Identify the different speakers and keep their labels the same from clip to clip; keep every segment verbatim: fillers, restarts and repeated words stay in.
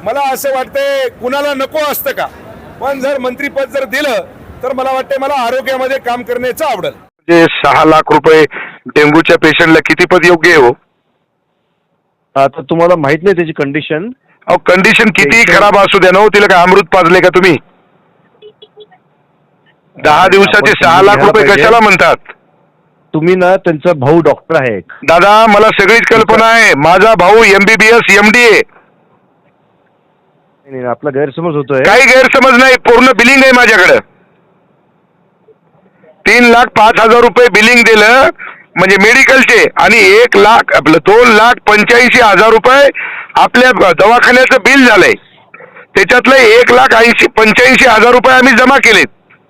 Speaker 1: मला असं वाटतंय कुणाला नको असतं का, पण जर मंत्रीपद जर दिलं तर मला वाटतंय मला आरोग्यामध्ये काम करण्याचं आवडेल.
Speaker 2: जे सहा लाख रुपये डेंग्यूच्या पेशंटला किती पद योग्य आहे हो?
Speaker 3: आता तुम्हाला माहित नाही त्याची कंडिशन.
Speaker 2: अहो कंडिशन किती खराब असू द्या ना हो, तिला काय अमृत पाजले का तुम्ही? दहा दिवसाचे सहा लाख रुपये कशाला म्हणतात?
Speaker 3: तुम्ही ना त्यांचा भाऊ डॉक्टर आहे.
Speaker 2: दादा मला सगळीच कल्पना आहे, माझा भाऊ एमबीबीएस एमडी आहे.
Speaker 3: नाही, नाही, आपला गैरसमज होतोय.
Speaker 2: काही गैरसमज नाही, पूर्ण बिलिंग आहे माझ्याकडे. तीन लाख पाच हजार रुपये बिलिंग दिलं म्हणजे मेडिकलचे, आणि एक लाख आपलं दोन लाख पंच्याऐंशी हजार रुपये आपल्या दवाखान्याचं बिल झालंय. त्याच्यातलं एक लाख ऐंशी पंच्याऐंशी हजार रुपये आम्ही जमा केलेत.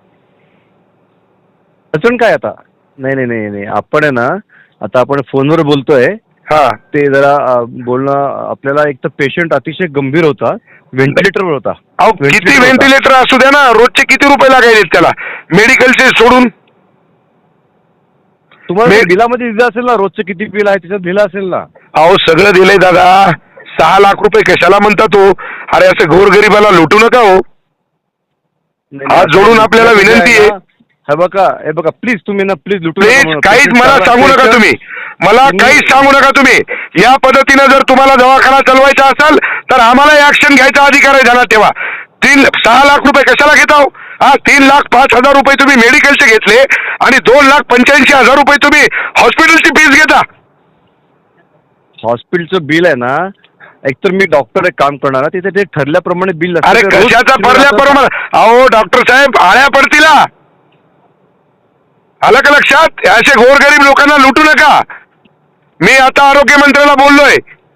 Speaker 3: अडचण काय आता? नाही नाही नाही नाही आपण आहे ना, आता आपण फोनवर बोलतोय.
Speaker 2: हा
Speaker 3: ते जरा अ, बोलणं आपल्याला, एक तर पेशंट अतिशय गंभीर होता, व्हेंटिलेटरवर होता.
Speaker 2: अहो किती व्हेंटिलेटर असू द्या ना, रोजचे किती रुपये लागायचे त्याला मेडिकलचे सोडून?
Speaker 3: तुम्हाला बिलामध्ये दिलं असेल ना, रोजचं किती बिल आहे त्याच्यात दिलं असेल ना.
Speaker 2: अहो सगळं दिलंय दादा. सहा लाख रुपये कशाला म्हणता तो? अरे असं गोरगरिबाला लुटू नका हो. हात जोडून आपल्याला विनंती आहे.
Speaker 3: हे बघा हे बघा प्लीज, तुम्ही ना प्लीज लुटू
Speaker 2: प्लीज काहीच मला सांगू नका तुम्ही, मला काहीच सांगू नका तुम्ही. या पद्धतीनं जर तुम्हाला दवाखाना चालवायचा असेल तर आम्हाला ऍक्शन घ्यायचा अधिकार आहे. ध्यानात ठेवा. तीन सहा लाख रुपये कशाला घेता हो? हा तीन लाख पाच हजार रुपये तुम्ही मेडिकलचे घेतले आणि दोन लाख पंच्याऐंशी हजार रुपये तुम्ही हॉस्पिटलची फीस घेता.
Speaker 3: हॉस्पिटलचं बिल आहे ना, एकतर मी डॉक्टर एक काम करणार, तिथे ते ठरल्याप्रमाणे बिल.
Speaker 2: अरे कशाचा ठरल्याप्रमाणे? अहो डॉक्टर साहेब आळ्या पडतील. आलं का लक्षात? असे गोरगरीब लोकांना लुटू नका. मी आता आरोग्य मंत्र्याला बोललोय,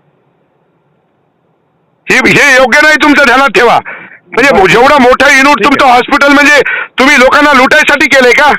Speaker 2: हे हे योग्य नाही तुमचं, ध्यानात ठेवा. म्हणजे जेवढं मोठं युनिट तुमचं हॉस्पिटल म्हणजे तुम्ही लोकांना लुटायसाठी केलंय का?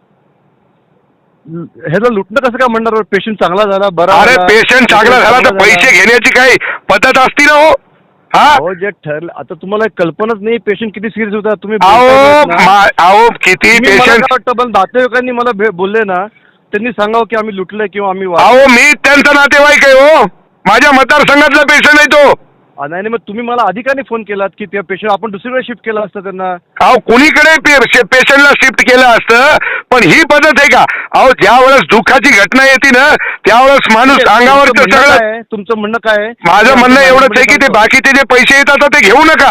Speaker 3: ह्याला लुटणं कसं काय म्हणणार? पेशंट चांगला झाला, बरा.
Speaker 2: अरे पेशंट चांगला झाला तर पैसे घेण्याची काही पद्धत असती ना हो. हा
Speaker 3: जे ठरलं, आता तुम्हाला कल्पनाच नाही पेशंट किती सिरियस होता. तुम्ही
Speaker 2: अहो किती पेशंट
Speaker 3: वाटतं, नातेवाईकांनी मला बोलले ना, त्यांनी सांगावं की आम्ही लुटलंय किंवा आम्ही.
Speaker 2: अहो मी त्यांचा नातेवाईक आहे हो, माझ्या मतदारसंघातला पेशंट आहे तो.
Speaker 3: नाही मग तुम्ही मला अधिकाने फोन केलात की त्या पेशंट आपण दुसरीकडे शिफ्ट केला असतं त्यांना.
Speaker 2: अहो कुणीकडे पेशंटला शिफ्ट केलं असतं, पण ही पद्धत आहे का? अहो ज्या वेळेस दुःखाची घटना येते ना, त्यावेळेस माणूस अंगावर सगळं.
Speaker 3: तुमचं म्हणणं काय?
Speaker 2: माझं म्हणणं एवढंच आहे की ते बाकीचे जे पैसे येतात ते घेऊ नका.